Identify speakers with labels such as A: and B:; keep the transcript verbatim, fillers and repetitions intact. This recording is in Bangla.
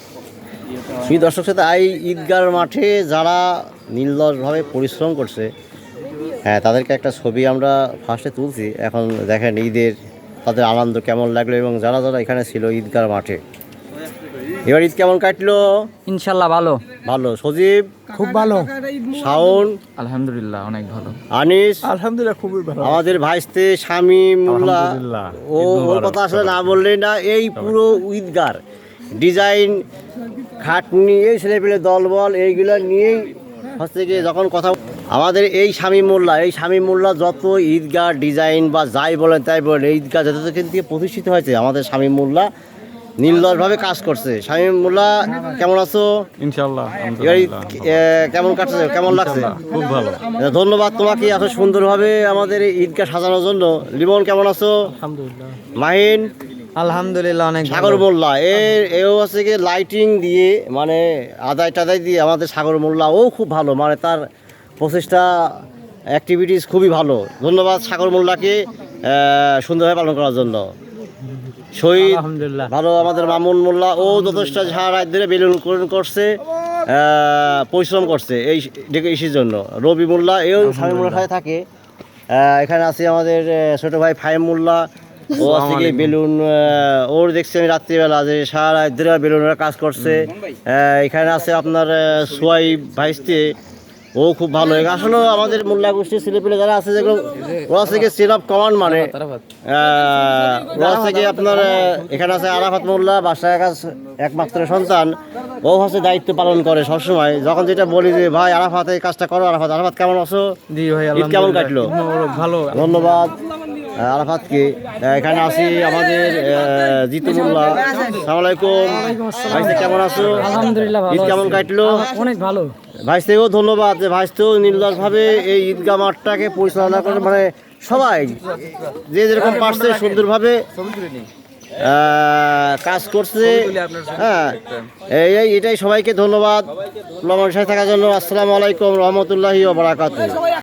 A: সেই দর্শক সাথে এই ঈদগার মাঠে যারা নির্লসভাবে পরিশ্রম করছে, হ্যাঁ তাদেরকে একটা ছবি আমরা ফার্স্টে তুলছি। এখন দেখেন ঈদের তাদের আনন্দ কেমন লাগলো এবং যারা যারা এখানে ছিল ঈদগার মাঠে। এবার ঈদ কেমন কাটলো?
B: ইনশাল্লাহ ভালো।
A: ভালো। সজীব
C: খুব ভালো।
A: শাওন
B: আলহামদুলিল্লাহ অনেক ভালো।
A: আনিস
C: আলহামদুলিল্লাহ খুবই ভালো।
A: আমাদের ভাইস্তে শামীম মোল্লা, ও ওর কথা আসলে না বললেই না। এই পুরো ঈদগার ডিজাইন খাটনি এই ছেলেপেলে দলবল এইগুলো নিয়েই হচ্ছে গিয়ে যখন কথা আমাদের এই শামীম মোল্লা, এই শামীম মোল্লা যত ঈদগাহ ডিজাইন বা যাই বলেন তাই বলেন, এই ঈদগাহ যত থেকে প্রতিষ্ঠিত হয়েছে আমাদের শামীম মোল্লা নির্লসভাবে কাজ করছে। শামীম মোল্লা কেমন আছো?
D: ইনশাআল্লাহ
A: এবার ঈদ কেমন কাটছে, কেমন লাগছে?
D: খুব ভালো।
A: ধন্যবাদ তোমাকে এত সুন্দরভাবে আমাদের এই ঈদগাহ সাজানোর জন্য। লিমন কেমন আছো?
C: আলহামদুলিল্লাহ।
A: মাহিন
B: আলহামদুলিল্লাহ অনেক
A: সাগর মোল্লা এর এও হচ্ছে গিয়ে লাইটিং দিয়ে মানে আদায় টাদায় দিয়ে আমাদের সাগর মোল্লা ও খুব ভালো, মানে তার প্রচেষ্টা অ্যাক্টিভিটিস খুবই ভালো। ধন্যবাদ সাগর মোল্লাকে সুন্দরভাবে পালন করার জন্য। শহীদ ভালো, আমাদের মামুন মোল্লা ও যথেষ্ট ঝাড় রাত ধরে বেলুন করছে, পরিশ্রম করছে এই ইসির জন্য। রবি মোল্লা এও স্বামী মোল্লার সাথে থাকে। এখানে আছে আমাদের ছোট ভাই ফাহিম মোল্লা, ও আছে কি বেলুন, ওর দেখছি আমি রাত্রিবেলা যে সারা রাত ধরে বেলুনের কাজ করছে। এখানে আছে আপনার সোয়াইব ভাইস্তে, ও খুব ভালো। আসলে আমাদের মোল্লা গোষ্ঠীর ছেলেপেলে যারা আছে যেগুলো ওরা আছে কি চেন অফ কমান্ড, মানে ওরা আছে কি আপনার এখানে আছে আরাফাত মোল্লা, বাসায় কাজ একমাত্র সন্তান, ও হচ্ছে দায়িত্ব পালন করে সবসময়। যখন যেটা বলি যে ভাই আরাফাত এই কাজটা করো, আরাফাত আরাফাত কেমন আছো? ঈদ কেমন কাটলো?
C: ভালো।
A: ধন্যবাদ আরাফাতকে। এখানে আছি আমাদের জিতু মোল্লা, আসসালামু আলাইকুম ভাইস্তে, কেমন আছো?
B: আলহামদুলিল্লাহ ভালো।
A: ঈদ কেমন কাটলো?
B: অনেক ভালো।
A: ভাইস্তেও ধন্যবাদ যে ভাইস্তেও নির্লসভাবে এই ঈদগাহ মাঠটাকে পরিচালনা করে, মানে সবাই যে যেরকম পারছে সুন্দরভাবে কাজ করছে। হ্যাঁ এই এটাই সবাইকে ধন্যবাদ লম্বা সাথে থাকার জন্য। আসসালামু আলাইকুম রহমতুল্লাহি ওয়া বারাকাতুহু।